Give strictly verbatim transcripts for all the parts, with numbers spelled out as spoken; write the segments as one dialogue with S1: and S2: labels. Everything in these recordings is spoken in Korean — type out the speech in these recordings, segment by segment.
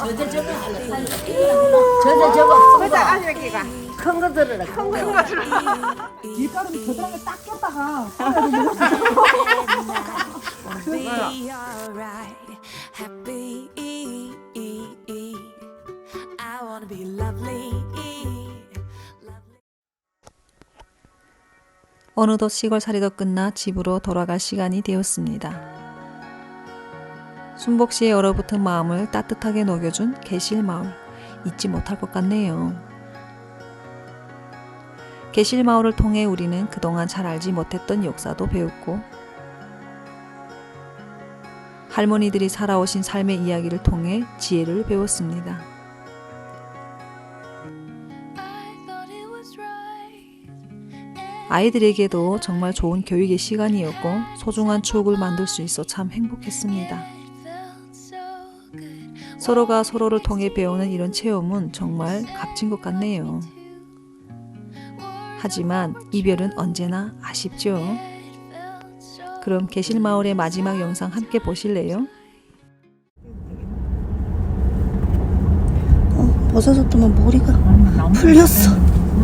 S1: 저저 저거 하나 사요. 저저 저거 큰 거.
S2: 아저씨가
S1: 큰 거 들어라. 큰 거.
S2: 큰 거 들어.
S3: 밀가루 겨드랑이에 딱 꼈다가
S4: Be alright, happy. I wanna be lovely.
S5: 어느덧 시골살이도 끝나 집으로 돌아갈 시간이 되었습니다. 순복 씨의 얼어붙은 마음을 따뜻하게 녹여준 개실마을, 잊지 못할 것 같네요. 개실마을을 통해 우리는 그동안 잘 알지 못했던 역사도 배웠고, 할머니들이 살아오신 삶의 이야기를 통해 지혜를 배웠습니다. 아이들에게도 정말 좋은 교육의 시간이었고 소중한 추억을 만들 수 있어 참 행복했습니다. 서로가 서로를 통해 배우는 이런 체험은 정말 값진 것 같네요. 하지만 이별은 언제나 아쉽죠. 그럼 개실마을의 마지막 영상 함께 보실래요?
S6: 어, 벗어졌더만 머리가 풀렸어.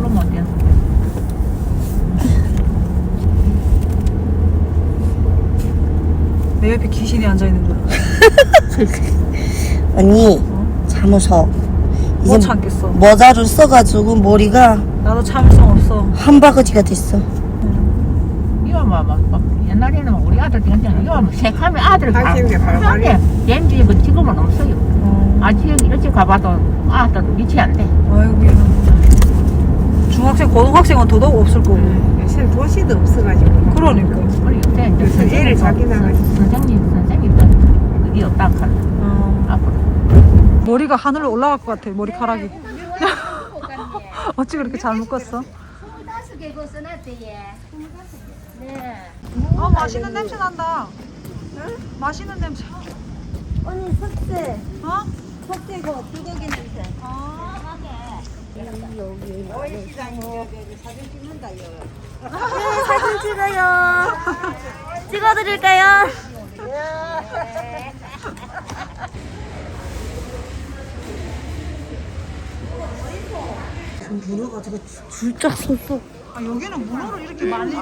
S3: 내 옆에 귀신이 앉아있는 거야.
S6: 언니 참으셔.
S3: 못
S6: 이제
S3: 참겠어.
S6: 모자를 써가지고 머리가
S3: 나도 참을성 없어.
S6: 한 바가지가 됐어.
S7: 이거 뭐, 뭐, 뭐 옛날에는 뭐 우리 아들 괜찮아. 이거 뭐 색하면 아들 가.
S2: 당신이 바로
S7: 그런데 렌즈 그 지금은 없어요.
S3: 어.
S7: 아직 일찍 가봐도 아들 미치 안 돼.
S3: 아이고 얘는 중학생, 고등학생은 더더욱 없을 거고.
S2: 요새 도시도 없어가지고.
S3: 그러니까.
S7: 우리 요새 이제
S2: 그래서 애를 자기 나가지.
S7: 선생님 선생님도 그게 없다 카라.
S3: 어.
S7: 앞으로.
S3: 머리가 하늘로 올라갈 것 같아. 머리카락이. 어찌 그렇게 잘 묶었어?
S1: 스물다섯 개 그거 써놨대 얘. 네.
S3: 어, 맛있는 냄새 난다. 맛있는 냄새.
S1: 언니 석쇠.
S3: 어?
S1: 석쇠 그 불고기 냄새.
S3: 아.
S1: 사진 찍어요. 찍어드릴까요?
S6: 문어가 되게 줄짝 섰어.
S3: 아, 여기는 문어를 이렇게 말리네.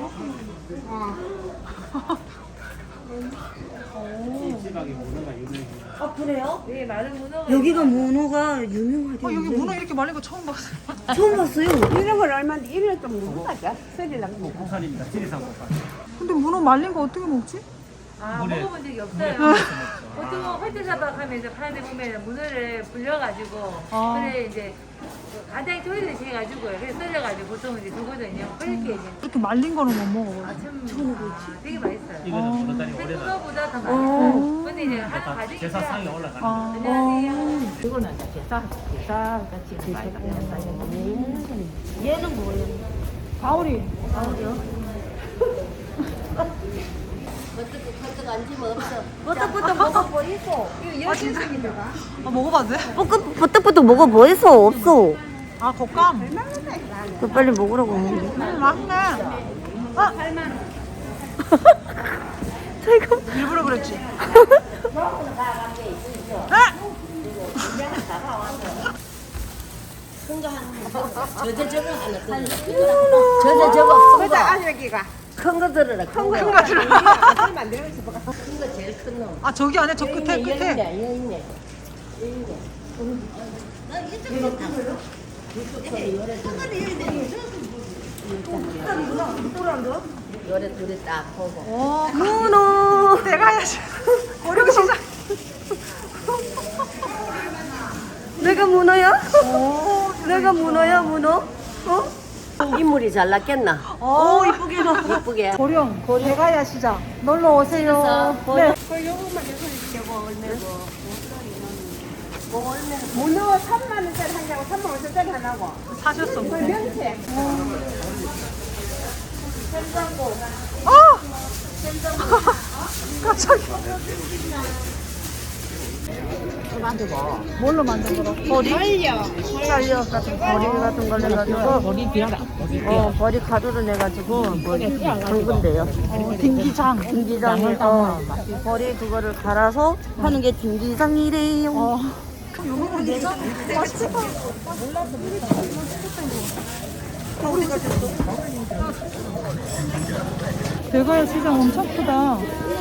S6: 아 그래요?
S2: 네, 많은 문어가
S6: 여기가 문어가 유명하대.
S3: 어, 여기 문어 이렇게 말린 거 처음 봤어.
S6: 처음 봤어요.
S2: 이런 걸 얼마인데 이런 좀 무거워져. 스리랑 거.
S8: 국산입니다. 지리산 국산.
S3: 근데 문어 말린 거 어떻게 먹지?
S9: 아,
S8: 물에-
S9: 먹어본 적이 없어요. 보통 홀대사박 하면서 파는데 보면 문어를 불려가지고
S3: 아.
S9: 그래 이제 간장에 조리듯이 해가지고 그래서 썰려가지고 보통 이제 두거든요. 그렇게 이제
S3: 이렇게 말린 거는 못 먹어요.
S9: 아참 아, 되게 맛있어요.
S8: 이거는 보름달이 오래된
S9: 생거보다 더 맛있어요. 근데 이제 하는 과정이
S8: 제사 상에 올라가는 거.
S3: 아.
S9: 안녕하세요.
S7: 이거는 이제 제사 제사 같이 많이 가는
S1: 얘는 뭐예요?
S3: 가오리.
S1: 버떡 버떡 앉으면 없어. 버떡버떡 먹어보이소.
S3: 아, 진짜? 아, 먹어봐도 돼?
S6: 볶음 버떡버떡 먹어 뭐 있어 없어.
S3: 아, 곶감.
S6: 그 빨리 먹으라고.
S3: 음, 맛있네. 아!
S6: 저희가
S3: 일부러 그랬지.
S1: 저저 저거 하나 들어라. 저저 저거 큰 거.
S2: 아저씨가
S1: 큰 거 들어라. 큰 거.
S3: 큰 거 들어.
S2: 안 만들고 싶어.
S1: 큰 거 제일 큰 놈.
S3: 아, 저기 안에 저
S1: 여기
S3: 끝에,
S1: 있네, 여기
S3: 끝에.
S1: 있네, 여기 있네. 여기 있네. 나 이쪽으로 가. 이쪽으로 요래 둘이 딱 보고.
S3: 오,
S6: 문어.
S3: 내가 해야지. 어려운 시작.
S6: 내가 문어야?
S3: 오,
S6: 내가 문어야 문어? 어?
S1: 인물이 잘 났겠나?
S3: 오, 이쁘게 나.
S1: 이쁘게.
S3: 고령, 대가야 시장. 놀러 오세요. 네.
S2: 문어 삼만 원짜리 한 개하고 삼만 원짜리 하나고.
S3: 사셨어.
S2: 그 명태.
S3: 아! 갑자기. 뭘로 만든 거라? 버리?
S2: 달려.
S6: 살려 같은 버리 같은 걸 내가지고
S7: 머리 비어라.
S6: 어 버리 가루를 내가지고 뭐 담근대요.
S3: 어, din기장.
S6: din기장을 어 버리 그거를 갈아서 하는 게 din기장이래요.
S3: 어, 대가야 시장 엄청 크다.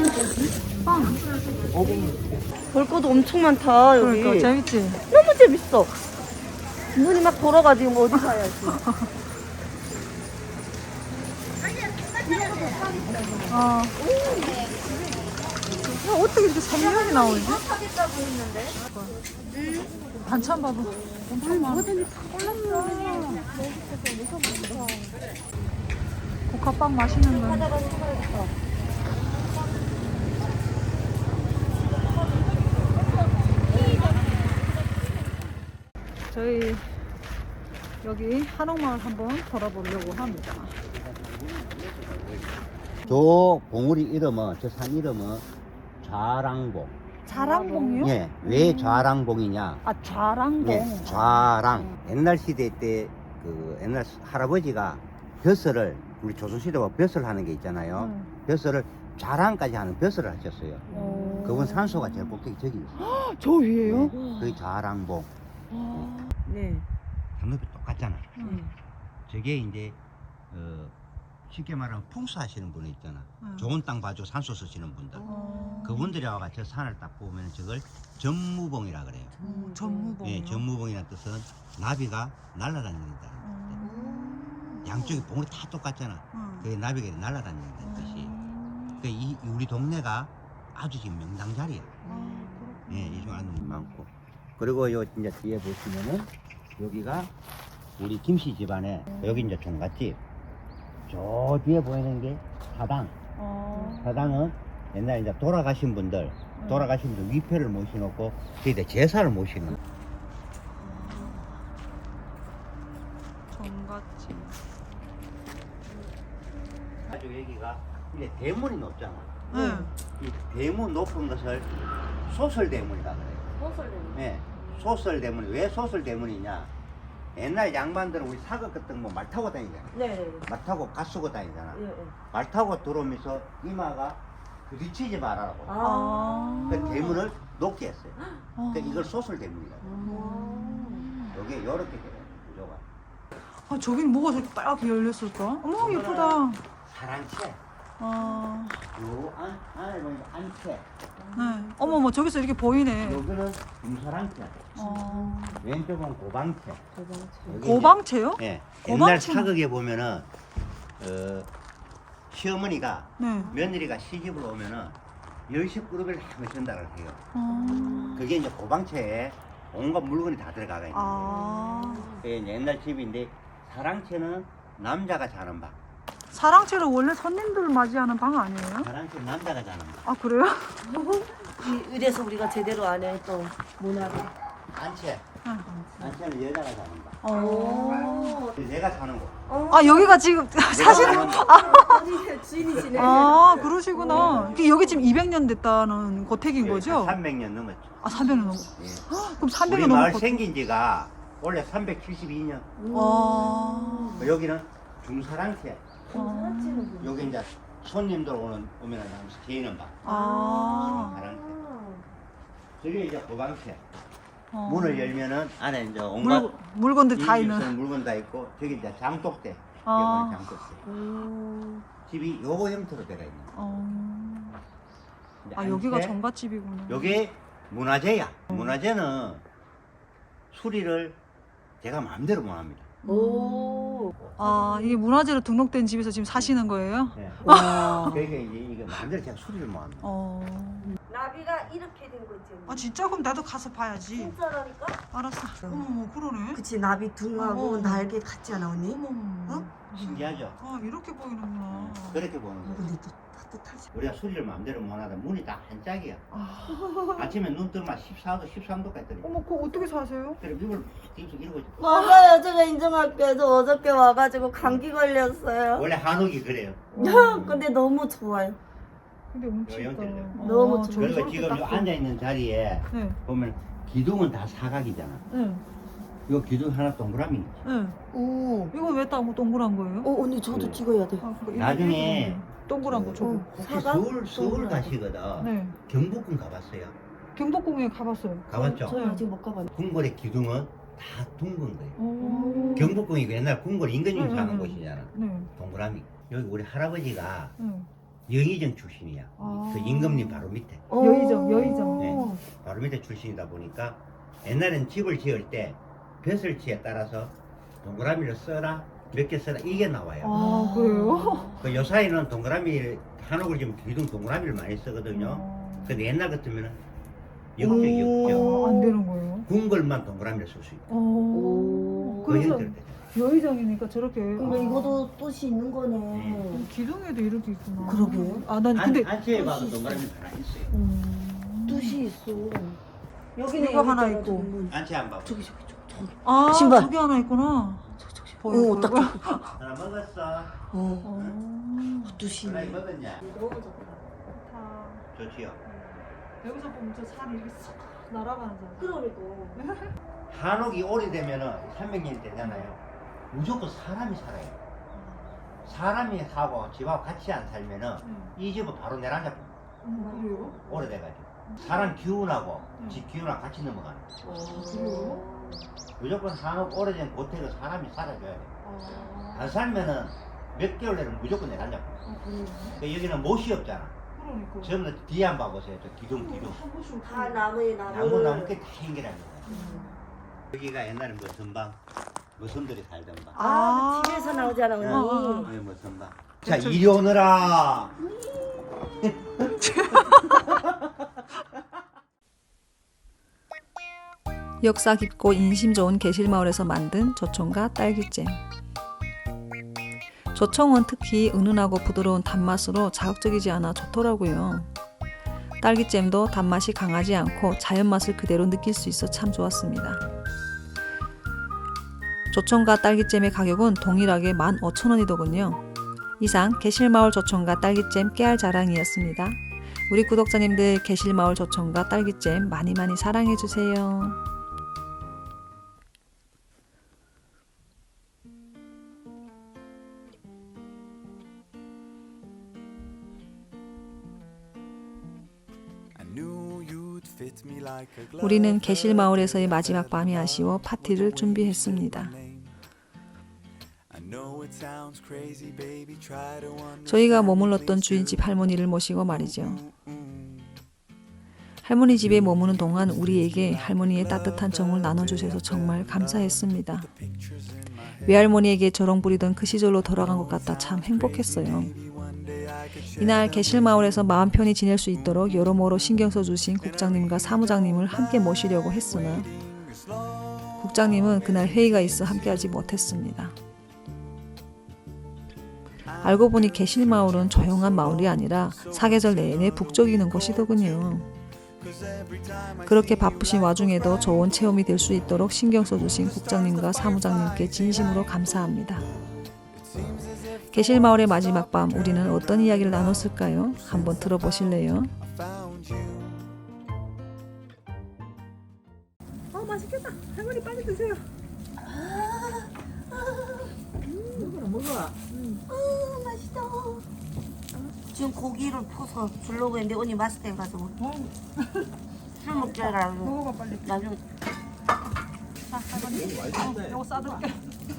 S1: 볼 것도 엄청 많다 여기.
S3: 그러니까 재밌지?
S1: 너무 재밌어. 눈이 막 돌아가지고 뭐 어디 가야지.
S3: 아. 야, 어떻게 이렇게 선명이 나오지? 반찬 봐봐. 엄청 많아. 고카빵 맛있는 거. 저희 여기 한옥마을 한번 돌아보려고 합니다.
S10: 저 봉우리 이름은, 저 산 이름은 좌랑봉.
S3: 자랑봉이요?
S10: 예, 왜 좌랑봉이냐?
S3: 아, 좌랑봉.
S10: 예, 좌랑. 옛날 시대 때 그 옛날 할아버지가 벼슬을, 우리 조선시대가 벼슬 하는 게 있잖아요.
S3: 음.
S10: 벼슬을 좌랑까지 하는 벼슬을 하셨어요.
S3: 오.
S10: 그분 산소가 제일 꼭대기 저기 있어요.
S3: 저 위에요?
S10: 네, 그게 좌랑봉.
S1: 네.
S10: 장높이 똑같잖아.
S3: 음.
S10: 저게 이제 어, 쉽게 말하면 풍수하시는 분이 있잖아.
S3: 음.
S10: 좋은 땅 봐줘 산소 쓰시는 분들.
S3: 어.
S10: 그분들이 와가 저 산을 딱 보면 저걸 전무봉이라 그래요.
S3: 음, 전무봉이요?
S10: 예, 전무봉이라는 뜻은 나비가 날아다닌다는
S3: 음.
S10: 뜻. 양쪽이 봉우리 다 똑같잖아.
S3: 음.
S10: 그게 나비가 날아다닌다는 뜻이. 그 이 우리 동네가 아주 지금 명당 자리야. 예, 이중 아는 분 많고. 그리고 요 이제 뒤에 보시면은 여기가 우리 김씨 집안에 여기 이제 종갓집. 저 뒤에 보이는 게 사당.
S3: 어.
S10: 사당은 옛날에 이제 돌아가신 분들, 돌아가신 분들 위패를 모셔놓고 저희들 제사를 모시는.
S3: 정갓집.
S10: 아주 여기가 이제 대문이 높잖아.
S3: 네.
S10: 이 대문 높은 것을 소설대문이라 그래요.
S1: 소설대문.
S10: 예, 소설대문이 왜 소설대문이냐? 옛날 양반들은 우리 사극 같은 거 말 타고 다니잖아.
S1: 네.
S10: 말 타고 가 쓰고 다니잖아.
S1: 예, 예.
S10: 말 타고 들어오면서 이마가 부딪히지 말라고.
S3: 아.
S10: 그 대문을 높게 했어요.
S3: 아.
S10: 그러니까 이걸 소설대문이라고. 여기 이렇게 돼요. 구조가.
S3: 아, 저긴 뭐가 저렇게 빨갛게 열렸을까? 어머, 예쁘다.
S10: 사랑채.
S3: 아.
S10: 요 안, 안에 보니까 안채.
S3: 네. 어머, 뭐 저기서 이렇게 보이네.
S10: 여기는 금사랑채.
S3: 어.
S10: 왼쪽은 고방채. 여기
S3: 고방채요?
S10: 이제, 예.
S3: 고방채는-
S10: 옛날 사극에 보면은 어, 시어머니가
S3: 네.
S10: 며느리가 시집을 오면은 열십 그룹을 한번 전달을 해요.
S3: 어.
S10: 그게 이제 고방채에 온갖 물건이 다 들어가가 있는 거예요.
S3: 아.
S10: 그게 이제 옛날 집인데 사랑채는 남자가 자는 방.
S3: 사랑채는 원래 손님들 맞이하는 방 아니에요?
S10: 사랑채는 남자가 자는 방.
S3: 아, 그래요?
S1: 이- 이래서 우리가 제대로 안 해 또 문화를.
S10: 안채.
S3: 응.
S10: 안채는 여자가 자는 방.
S3: 어.
S10: 내가 자는 곳.
S3: 아, 여기가 지금 사실
S10: 내가 자는 곳.
S1: 어디 주인이시네.
S3: 아, 그러시구나. 그 여기 지금 이백 년 됐다는 고택인 거죠?
S10: 삼백 년 넘었죠.
S3: 아, 삼백 년 넘어.
S10: 예.
S3: 그럼 삼백
S10: 우리
S3: 년
S10: 마을
S3: 넘었고.
S10: 생긴 지가 원래 삼백칠십이 년.
S3: 아.
S10: 여기는 중사랑채.
S3: 아.
S10: 여기 이제 손님들 오는 오면은 제이는 방.
S3: 아.
S10: 사랑채. 저기 이제 고방채.
S3: 어.
S10: 문을 열면은 안에 이제 온갖
S3: 물, 물건들 다
S10: 이
S3: 있는.
S10: 집에서는 물건 다 있고 저기 이제 장독대.
S3: 아.
S10: 여기는 장독대. 집이 요거 형태로 되어 있는.
S3: 어.
S10: 이제
S3: 아, 여기가
S10: 안채.
S3: 정갓집이구나.
S10: 요게 문화재야. 문화재는 수리를 제가 마음대로 못 합니다.
S1: 오.
S3: 아, 이게 문화재로 등록된 집에서 지금 사시는 거예요?
S10: 네.
S1: 와.
S10: 그러니까 이제 이게 마음대로 제가 수리를 못 합니다.
S3: 어.
S1: 나비가 이렇게 된 거지.
S3: 아, 진짜? 그럼 나도 가서 봐야지.
S1: 진짜라니까?
S3: 알았어. 어머, 그러네.
S1: 그치 나비 둥하고
S3: 어.
S1: 날개 같지 않아 언니?
S3: 어머,
S1: 어?
S10: 신기하죠?
S3: 아, 이렇게 보이는구나.
S10: 그렇게 보는 거예요.
S1: 근데 또 따뜻하지.
S10: 우리가 수리를 마음대로 못 하다 문이 다 한 짝이야. 아침에 눈 뜨면 십사 도, 십삼 도까지 떨어져.
S3: 어머, 그거 어떻게 사세요?
S10: 그래 입을 막 뒤에서 이러고 있어.
S1: 맞아요. 제가 인정할게요. 저 어저께 와가지고 감기 걸렸어요.
S10: 원래 한옥이 그래요.
S1: 근데 너무 좋아요.
S3: 근데 움직이다.
S10: 연결돼요.
S1: 너무
S3: 저기
S10: 그리고
S3: 저렇게
S10: 지금
S3: 딱
S10: 요 앉아있는 자리에
S3: 네.
S10: 보면 기둥은 다 사각이잖아.
S3: 네.
S10: 요 기둥 하나 동그라미.
S3: 네.
S1: 오.
S3: 이거 왜 딱 동그란 거예요?
S1: 어 언니 저도
S10: 네.
S1: 찍어야 돼.
S3: 아, 그거
S10: 나중에
S3: 이렇게 동그란 거 저거.
S1: 어.
S10: 혹시
S1: 사각?
S10: 서울, 서울
S1: 동그라미.
S10: 가시거든.
S3: 네.
S10: 경복궁 가봤어요?
S3: 경복궁에 가봤어요.
S10: 가봤죠?
S1: 저는 아직 못 가봤는데.
S10: 궁궐의 기둥은 다 둥근 거예요.
S3: 오.
S10: 경복궁이 그 옛날 궁궐 임금님
S3: 응,
S10: 사는
S3: 응,
S10: 곳이잖아.
S3: 네.
S10: 동그라미. 여기 우리 할아버지가
S3: 네.
S10: 영의정 출신이야.
S3: 아.
S10: 그 임금님 바로 밑에.
S3: 여의정, 여의정.
S10: 네. 바로 밑에 출신이다 보니까 옛날엔 집을 지을 때 벼슬치에 따라서 동그라미를 써라, 몇 개 써라 이게 나와요.
S3: 아, 그래요?
S10: 그 요사이는 동그라미 한옥을 지금 기둥 동그라미를 많이 쓰거든요.
S3: 어.
S10: 근데 옛날 같으면은 역적 역적
S3: 어, 안 되는 거예요?
S10: 궁궐만 동그라미를 쓸 수 있고.
S3: 어.
S10: 그
S3: 그래서
S10: 형태로 되죠.
S3: 여의정이니까 저렇게.
S1: 그럼
S3: 아.
S1: 이것도 뜻이 있는 거네.
S10: 네.
S3: 기둥에도 이렇게 있구나.
S1: 그러게요.
S3: 아, 난
S10: 안,
S3: 근데.
S10: 안치에 봐도 동그라미 하나 있어요.
S3: 음.
S1: 뜻이 있어. 여기는
S3: 이거 하나
S1: 여기
S3: 있고.
S1: 있잖아,
S10: 안치 안 봐봐.
S1: 저기 저기 저기. 저기.
S3: 아,
S1: 신발.
S3: 저기 하나 있구나. 보여,
S1: 오,
S3: 보여.
S1: 딱.
S10: 하나 먹었어.
S1: 어.
S3: 어.
S1: 뜻이
S10: 하나
S1: 있네.
S10: 먹었냐?
S3: 좋다.
S10: 좋지요.
S3: 여기서 보면 저 산이 이렇게 싹 날아가잖아.
S1: 그러니까.
S10: 한옥이 오래되면은 삼백 년이 되잖아요. 무조건 사람이 살아요. 사람이 사고 집하고 같이 안 살면은 이 집은 바로 내란잡고
S3: 음, 그래요?
S10: 오래돼가지고 사람 기운하고
S3: 음.
S10: 집 기운하고 같이 넘어가는 거예요.
S1: 어.
S3: 그래요?
S10: 무조건 한옥 오래된 고택은 사람이 살아줘야 돼요.
S3: 아,
S10: 안 살면은 몇 개월 내는 무조건 내란잡고.
S3: 아, 그래요?
S10: 그러니까 여기는 못이 없잖아.
S3: 그러니까.
S10: 전부 다 뒤에 한 번 보세요. 저 기둥 기둥.
S3: 한 번씩
S1: 다 나무에 나무.
S10: 나무 나무 깨 다 연결합니다. 여기가 옛날에 무슨방 무슨들이 살던 방.
S1: 아, TV에서 나오잖아, 언니.
S3: 어,
S10: 네, 무슨방. 자 이리 오너라.
S5: 역사 깊고 인심 좋은 계실마을에서 만든 조청과 딸기잼. 조청은 특히 은은하고 부드러운 단맛으로 자극적이지 않아 좋더라고요. 딸기잼도 단맛이 강하지 않고 자연 맛을 그대로 느낄 수 있어 참 좋았습니다. 조청과 딸기잼의 가격은 동일하게 만 오천 원이더군요. 이상 계실마을 조청과 딸기잼 깨알 자랑이었습니다. 우리 구독자님들 계실마을 조청과 딸기잼 많이 많이 사랑해주세요. 우리는 계실마을에서의 마지막 밤이 아쉬워 파티를 준비했습니다. 저희가 머물렀던 주인집 할머니를 모시고 말이죠. 할머니 집에 머무는 동안 우리에게 할머니의 따뜻한 정을 나눠주셔서 정말 감사했습니다. 외할머니에게 조롱 부리던 그 시절로 돌아간 것 같아 참 행복했어요. 이날 계실마을에서 마음 편히 지낼 수 있도록 여러모로 신경 써주신 국장님과 사무장님을 함께 모시려고 했으나 국장님은 그날 회의가 있어 함께하지 못했습니다. 알고 보니 계실마을은 조용한 마을이 아니라 사계절 내내 북적이는 곳이더군요. 그렇게 바쁘신 와중에도 좋은 체험이 될 수 있도록 신경 써주신 국장님과 사무장님께 진심으로 감사합니다. 계실마을의 마지막 밤 우리는 어떤 이야기를 나눴을까요? 한번 들어보실래요?
S3: 아, 맛있겠다. 할머니 빨리 드세요.
S1: 먹어라, 먹어. 아, 맛있다. 지금 고기를 퍼서 주려고 했는데 언니 맛있대 가지고 술 먹자라.
S3: 먹어봐 빨리.
S1: 나중에
S3: 자, 할머니. 어, 이거 싸줄게.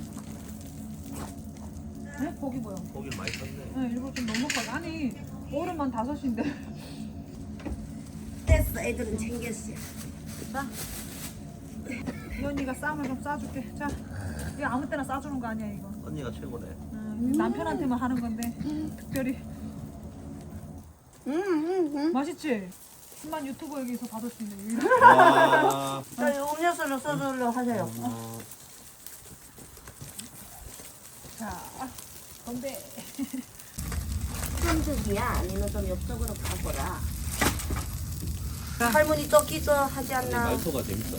S3: 네? 고기 뭐야?
S8: 고기 많이 썼네.
S3: 네, 일부러 좀 넉넉하게. 아니, 어른만 다섯인데.
S1: 됐어, 애들은 챙겼어.
S3: 자, 이 언니가 쌈을 좀 싸줄게. 자, 이거 아무 때나 싸주는 거 아니야 이거.
S8: 언니가 최고네.
S3: 음, 남편한테만 하는 건데 특별히.
S1: 응, 응, 응.
S3: 맛있지? 천만 유튜버에게서 받을 수 있는 유일.
S8: 와.
S1: 자, 음료수를 써주려 하세요.
S3: 자, 건배.
S1: 현득이야? 아니면 좀 옆쪽으로 가보라. 할머니 쫓기죠 하지 않나?
S8: 말투가 재밌어요.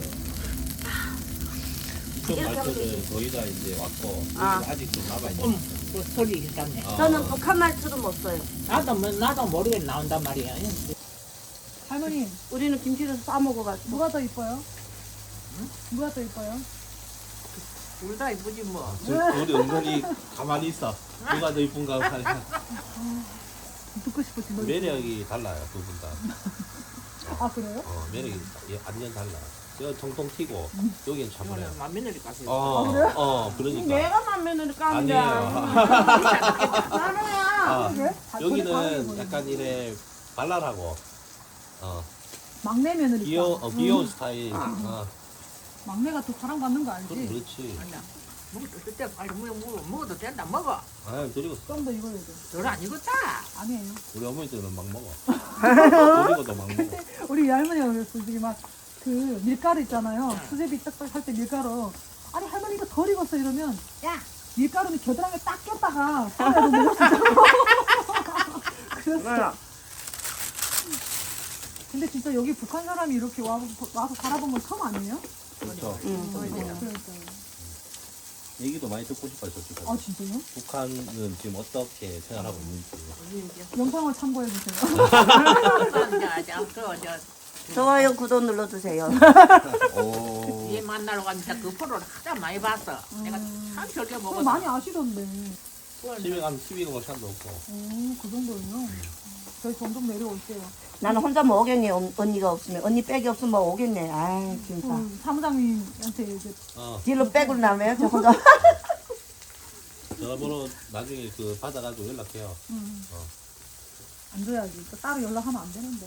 S8: 그
S1: 이렇게 하면
S8: 말투는
S1: 되지.
S8: 저희가 이제 왔고
S1: 아.
S8: 아직도 남아있는.
S7: 음, 그 소리 있었네.
S8: 아.
S1: 저는 북한 말투도 못 써요.
S7: 나도 뭐- 나도 모르게 나온단 말이야.
S3: 할머니,
S1: 우리는 김치를 싸 먹어가지고.
S3: 누가 더 이뻐요? 누가 더 이뻐요?
S7: 둘 다 이쁘지 뭐.
S8: 저, 우리 은근히 가만히 있어. 누가 더 이쁜가 하니까
S3: 듣고 싶었지. 너
S8: 매력이 달라요 두 분 다.
S3: 아 그래요?
S8: 어, 매력이 예, 완전 달라. 여기 통통 튀고 여기는 차분해.
S2: 맏며느리 가서.
S8: 어, 어, 그러니까.
S2: 내가 맏며느리 까는데.
S8: 아니에요.
S2: 나는야.
S8: 아,
S3: 그래?
S8: 여기는 약간 이래 발랄하고, 어,
S3: 막내 며느리.
S8: 귀여, 어, 귀여운 스타일. 어,
S3: 막내가 더 사랑받는 거
S8: 그럼
S3: 알지?
S8: 그렇지.
S2: 먹을 때 빨리 먹어, 먹어, 먹어도 된다, 먹어.
S8: 아, 드리고
S3: 좀 더 익어야 돼.
S2: 덜 안 익었다.
S3: 아니에요.
S8: 우리 어머니들은 막 먹어. 드리고도 막 먹어.
S3: 우리 할머니가 그랬어. 이게 막 그 밀가루 있잖아요. 수제비 딱딱 할 때 밀가루. 아니 할머니가 덜 익었어 이러면 야 밀가루는 겨드랑이에 딱 꼈다가 썰어야 먹을 수 있다고. 그랬어. 근데 진짜 여기 북한 사람이 이렇게 와, 와서 살아본 건 처음 아니에요?
S8: 그렇죠.
S1: 응.
S3: 그러니까요.
S8: 얘기도 많이 듣고 싶어요, 솔직히.
S3: 아 진짜요?
S8: 북한은 지금 어떻게 생활하고 있는지.
S3: 영상을 참고해 주세요.
S1: 좋아요, 구독 눌러주세요.
S8: 오.
S2: 얘 만나러 갔는데 그 프로를 하다 많이 봤어. 내가 참 저렇게 먹었어.
S3: 그럼 많이 아시던데.
S8: 집에 가면 티비가 볼 시간도 없고.
S3: 오, 그 정도예요? 저희 점점 내려올게요.
S1: 나는 혼자 뭐 오겠니? 언- 언니가 없으면. 언니 백이 없으면 뭐 오겠네. 아 진짜.
S3: 그 사무장님한테 이제
S8: 어,
S1: 딜로 백으로 나면 저 혼자.
S8: 전화번호 나중에 그 받아가지고 연락해요.
S3: 음,
S8: 어.
S3: 안 줘야지. 또 따로 연락하면 안 되는데.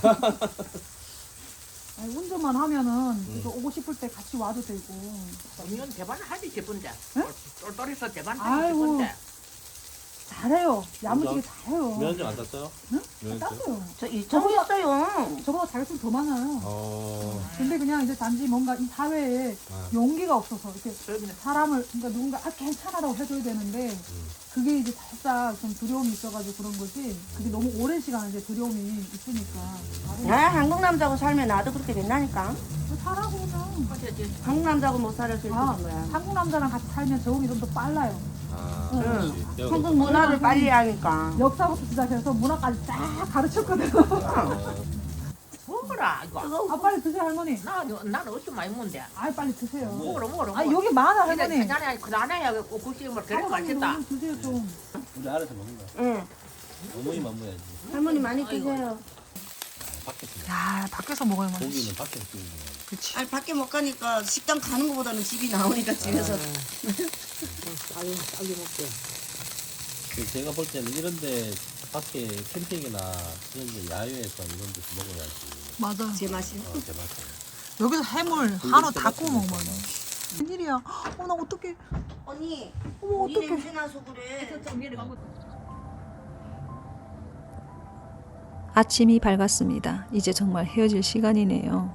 S3: 아니, 운전만 하면은 이렇게 오고 싶을 때 같이 와도 되고.
S2: 이건 대반 하지 싶은데.
S3: 응?
S2: 똘똘해서 대반 하지
S3: 아이고.
S2: 싶은데.
S3: 잘해요. 야무지게 잘해요.
S8: 면허증 안 땄어요?
S3: 응?
S8: 면허증?
S3: 땄어요.
S1: 저 이천 했어요.
S3: 저보다 자격증 더 많아요.
S8: 어.
S3: 근데 그냥 이제 단지 뭔가 이 사회에
S8: 아.
S3: 용기가 없어서 이렇게
S2: 그러면
S3: 사람을 그러니까 누군가 아 괜찮아라고 해줘야 되는데 그게 이제 살짝 좀 두려움이 있어가지고 그런 거지. 그게 너무 오랜 시간 이제 두려움이 있으니까.
S1: 아 한국 남자하고 살면 나도 그렇게 된다니까.
S3: 살아고 그냥.
S1: 한국 남자하고 못 살아서 이렇게
S3: 아,
S1: 된 거야.
S3: 한국 남자랑 같이 살면 적응이 좀 더 빨라요.
S8: 아,
S3: 응.
S8: 그렇지. 배우고
S1: 한국
S8: 있구나.
S1: 문화를 빨리 하니까.
S3: 역사부터 시작해서 문화까지 쫙 가르쳤거든.
S8: 어.
S2: 먹어라 이거.
S3: 아 빨리 드세요 할머니.
S2: 나 나는 어찌 많이 먹는데.
S3: 아 빨리 드세요.
S2: 먹어라 먹어라.
S3: 아 여기 많아
S2: 근데
S3: 할머니.
S2: 그전에 그전에 국수물 그래
S3: 할머니
S2: 맛있다.
S3: 너무 드세요 좀.
S8: 우리 알아서 먹는 거야.
S1: 응.
S8: 어머니만 먹어야지.
S1: 할머니 많이 드세요.
S8: 밖에서.
S3: 야 밖에서 먹어야 맛있어.
S8: 고기는 밖에서 구우는 거야.
S3: 그치.
S1: 아니 밖에 못 가니까 식당 가는 것보다는 집이 나오니까 집에서.
S8: 그 제가 볼 때는 이런데 밖에 캠핑이나 이런 데 야외에서 이런 데서 먹어야지.
S3: 맞아.
S1: 제 맛이.
S8: 어, 제 맛에.
S3: 여기서 해물 한우 다 구워 먹으면. 웬일이야? 어 나 어떡해.
S1: 언니.
S3: 어머
S1: 우리
S3: 어떡해.
S1: 냄새 나서 그래.
S5: 아침이 밝았습니다. 이제 정말 헤어질 시간이네요.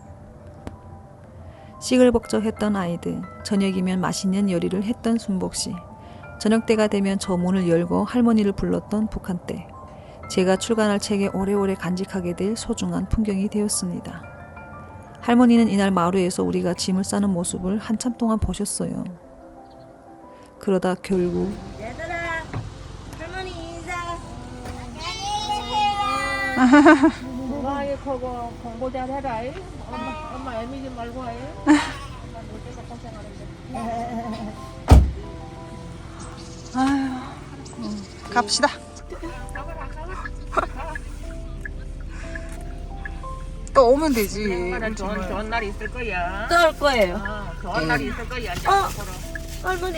S5: 시끌벅적했던 아이들, 저녁이면 맛있는 요리를 했던 순복씨, 저녁 때가 되면 저 문을 열고 할머니를 불렀던 북한댁, 제가 출간할 책에 오래오래 간직하게 될 소중한 풍경이 되었습니다. 할머니는 이날 마루에서 우리가 짐을 싸는 모습을 한참 동안 보셨어요. 그러다 결국
S1: 얘들아, 할머니 인사.
S2: 건강하고 공부 잘해라. 엄마 엄마 애미지 말고 해.
S3: 갑시다. 또 오면 되지.
S2: 엄마는 좋은 좋은 날이 있을 거야.
S1: 또 올 거예요.
S2: 어, 좋은 날이 있을 거야. 이제
S1: 어.
S2: 앞으로.
S1: 할머니.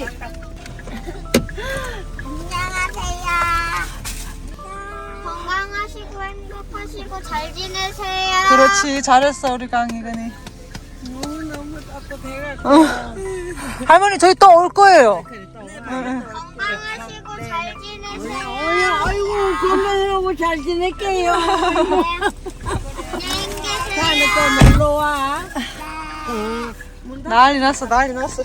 S11: 안녕하세요. 건강하시고 행복하시고 잘 지내세요.
S3: 그렇지 잘했어 우리 강희근이.
S2: 너무 자꾸 배가
S3: 할머니 저희 또 올 거예요.
S11: 건강하시고 잘 지내세요.
S1: 아이고 건강하고 잘 지낼게요.
S11: 안녕히 계세요.
S1: 또 놀러 와.
S3: 난리 났어 난리 났어.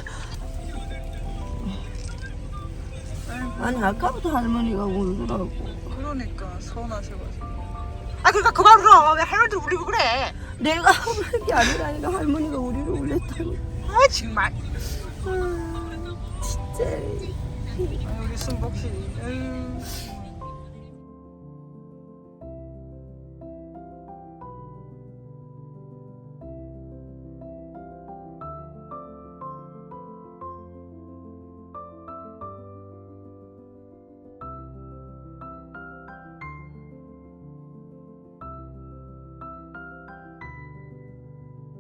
S1: 아니 아까부터 할머니가 울더라고.
S3: 그러니까 서운하셔가지고. 아 그러니까 그만 울어. 왜 할머니들 울리고 그래.
S1: 내가 울은 게 아니라니까 할머니가 우리를 울렸다니.
S3: 아 정말.
S1: 진짜.
S3: 우리 순복씨.